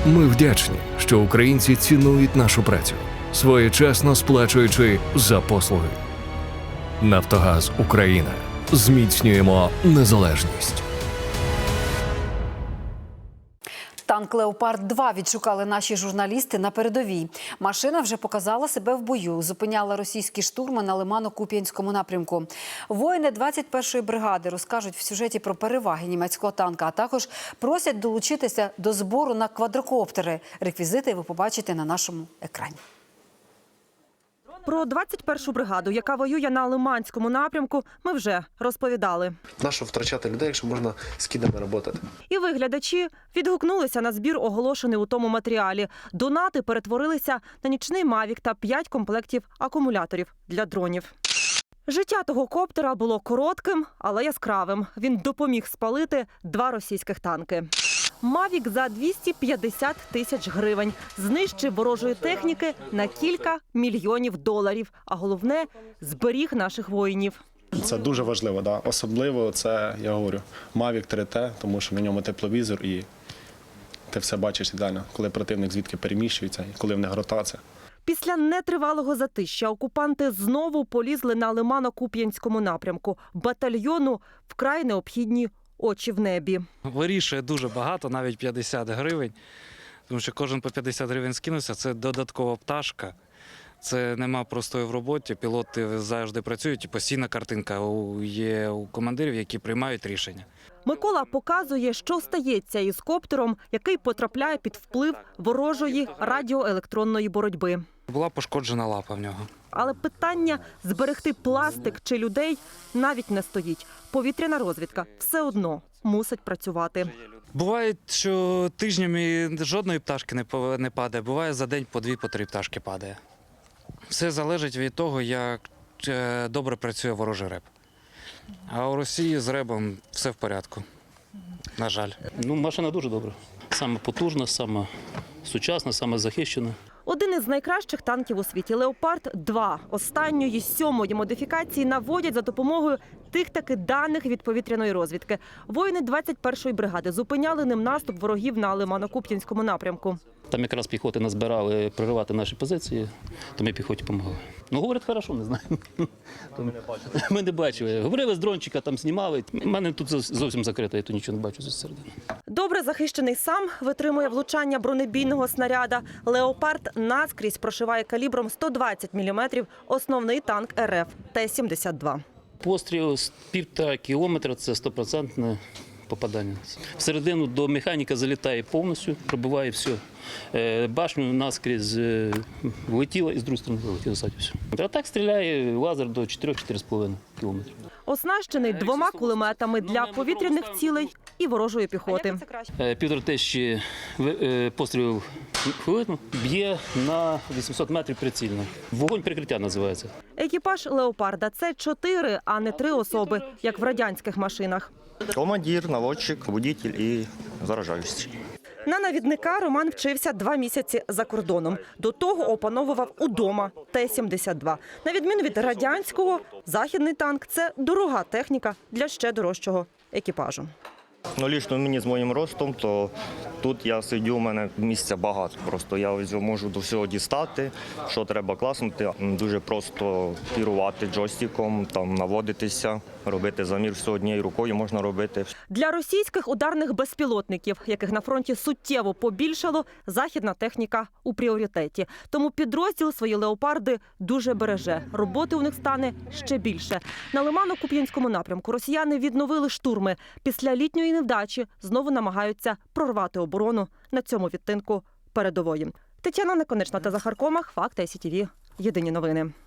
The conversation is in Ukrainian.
Ми вдячні, що українці цінують нашу працю, своєчасно сплачуючи за послуги. Нафтогаз Україна. Зміцнюємо незалежність. Танк «Леопард-2» відшукали наші журналісти на передовій. Машина вже показала себе в бою, зупиняла російські штурми на Лимано-Куп'янському напрямку. Воїни 21-ї бригади розкажуть в сюжеті про переваги німецького танка, а також просять долучитися до збору на квадрокоптери. Реквізити ви побачите на нашому екрані. Про 21-шу бригаду, яка воює на Лиманському напрямку, ми вже розповідали. Нащо втрачати людей, якщо можна з кідами працювати? І ви, глядачі, відгукнулися на збір, оголошений у тому матеріалі. Донати перетворилися на нічний «Мавік» та 5 комплектів акумуляторів для дронів. Життя того коптера було коротким, але яскравим. Він допоміг спалити 2 російських танки. «Мавік» за 250 тисяч гривень знищив ворожої техніки на кілька мільйонів доларів. А головне – зберіг наших воїнів. Це дуже важливо, да. Особливо це, я говорю, Mavic 3T, тому що на ньому тепловізор і ти все бачиш ідеально, коли противник звідки переміщується і коли в них ротація. Після нетривалого затища окупанти знову полізли на Лимано-Куп'янському напрямку. Батальйону вкрай необхідні очі в небі. Вирішує дуже багато, навіть 50 гривень, тому що кожен по 50 гривень скинувся, це додаткова пташка. Це нема простої в роботі, пілоти завжди працюють, і постійна картинка є у командирів, які приймають рішення. Микола показує, що стається із коптером, який потрапляє під вплив ворожої радіоелектронної боротьби. Була пошкоджена лапа в нього. Але питання зберегти пластик чи людей навіть не стоїть. Повітряна розвідка все одно мусить працювати. Буває, що тижнями жодної пташки не падає, буває за день по 2-3 пташки падає. Все залежить від того, як добре працює ворожий реп. А у Росії з ребом все в порядку, на жаль. Машина дуже добра. Саме потужна, саме сучасна, саме захищена. Один із найкращих танків у світі «Леопард-2» останньої 7-ї модифікації наводять за допомогою тих-таки даних від повітряної розвідки. Воїни 21-ї бригади зупиняли ним наступ ворогів на Лимано-Куп'янському напрямку. Там якраз піхоти назбирали проривати наші позиції, то ми піхоті допомогли. Говорять, хорошо, не знаю. Ми не бачили. Говорили з дрончика, там знімали. У мене тут зовсім закрито, я тут нічого не бачу зсередини. Добре захищений сам витримує влучання бронебійного снаряда. «Леопард» наскрізь прошиває калібром 120 мм основний танк РФ Т-72. Постріл з 1,5 кілометра – це 100% попадання. Всередину до механіка залітає повністю, пробиває все. Башню наскрізь влетіла і з другої сторони вилетіла ззаді все. А так стріляє лазер до 4-4,5 кілометрів. Оснащений 2 кулеметами для повітряних цілей і ворожої піхоти. 1500 пострілів в хвилину, б'є на 800 метрів прицільно. Вогонь прикриття називається. Екіпаж «Леопарда» – це 4, а не 3 особи, як в радянських машинах. Командир, наводчик, водитель і заражаючий. На навідника Роман вчився 2 місяці за кордоном. До того опановував удома Т-72. На відміну від радянського, західний танк – це дорога техніка для ще дорожчого екіпажу. Лічно мені з моїм ростом, то тут я сидю, у мене місця багато. Просто я можу до всього дістати, що треба класнути. Дуже просто керувати джойстиком, там наводитися, робити замір все однією рукою можна робити. Для російських ударних безпілотників, яких на фронті суттєво побільшало, західна техніка у пріоритеті. Тому підрозділ свої «Леопарди» дуже береже. Роботи у них стане ще більше. На Лимано-Куп'янському напрямку росіяни відновили штурми. Після літньої невдачі знову намагаються прорвати оборону на цьому відтинку передової. Тетяна Неконечна та Захар Комах. Факти СІТВ. Єдині новини.